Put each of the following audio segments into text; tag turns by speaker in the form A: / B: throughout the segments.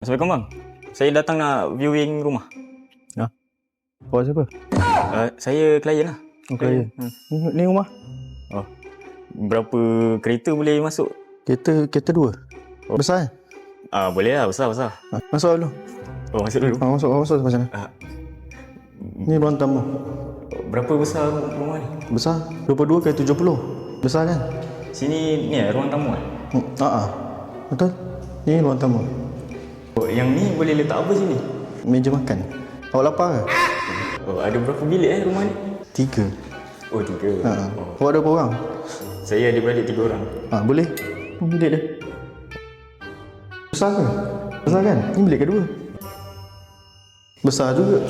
A: Assalamualaikum bang. Saya datang nak viewing rumah.
B: Awak siapa?
A: Saya klien lah.
B: Klien. Ni rumah?
A: Oh. Berapa kereta boleh masuk?
B: Kereta dua. Besar kan?
A: Boleh lah, besar.
B: Masuk dulu.
A: Oh, masuk dulu.
B: Masuk macam mana? Ni ruang tamu.
A: Berapa besar rumah ni?
B: Besar? 22 kali 70. Besar kan?
A: Sini ni ruang tamu kan?
B: Betul. Ni ruang tamu.
A: Oh, yang ni boleh letak apa sini?
B: Meja makan. Awak lapar ke?
A: Oh, ada berapa bilik rumah ni?
B: 3.
A: Oh, 3.
B: Awak ada berapa orang?
A: Saya ada beradik 3 orang.
B: Boleh. Bilik dia. Besar ke? Besar kan? Ni bilik kedua. Besar juga.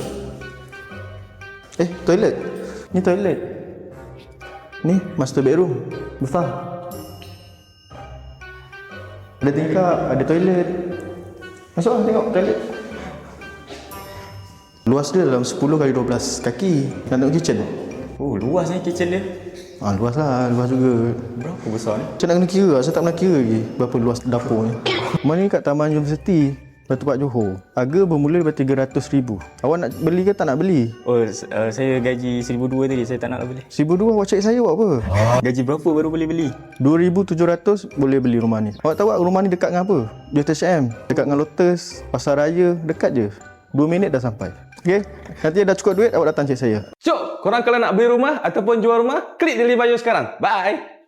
B: Toilet. Ni toilet. Ni master bedroom. Besar. Ada tingkap, ada toilet. Masuk lah tengok toilet. Luas dia dalam 10 kali 12 kaki. Nak tengok kitchen.
A: Oh, luas ni kitchen dia.
B: Luas lah, luas juga.
A: Berapa besar ni?
B: Macam nak kena kira lah, saya tak pernah kira lagi berapa luas dapur ni. Rumah ni kat Taman Universiti, Batu Pak Johor. Harga bermula daripada RM300,000. Awak nak beli ke tak nak beli?
A: Oh, saya gaji RM1,200 tadi, saya tak nak beli.
B: RM1,200 awak cari saya buat apa?
A: Gaji berapa baru boleh beli?
B: RM2,700 boleh beli rumah ni. Awak tahu tak rumah ni dekat dengan apa? JTSM, dekat dengan Lotus, Pasar Raya, dekat je. 2 minit dah sampai. Okey, nanti dah cukup duit awak datang cek saya.
C: Cuk, korang kalau nak beli rumah ataupun jual rumah, klik di link bio sekarang. Bye.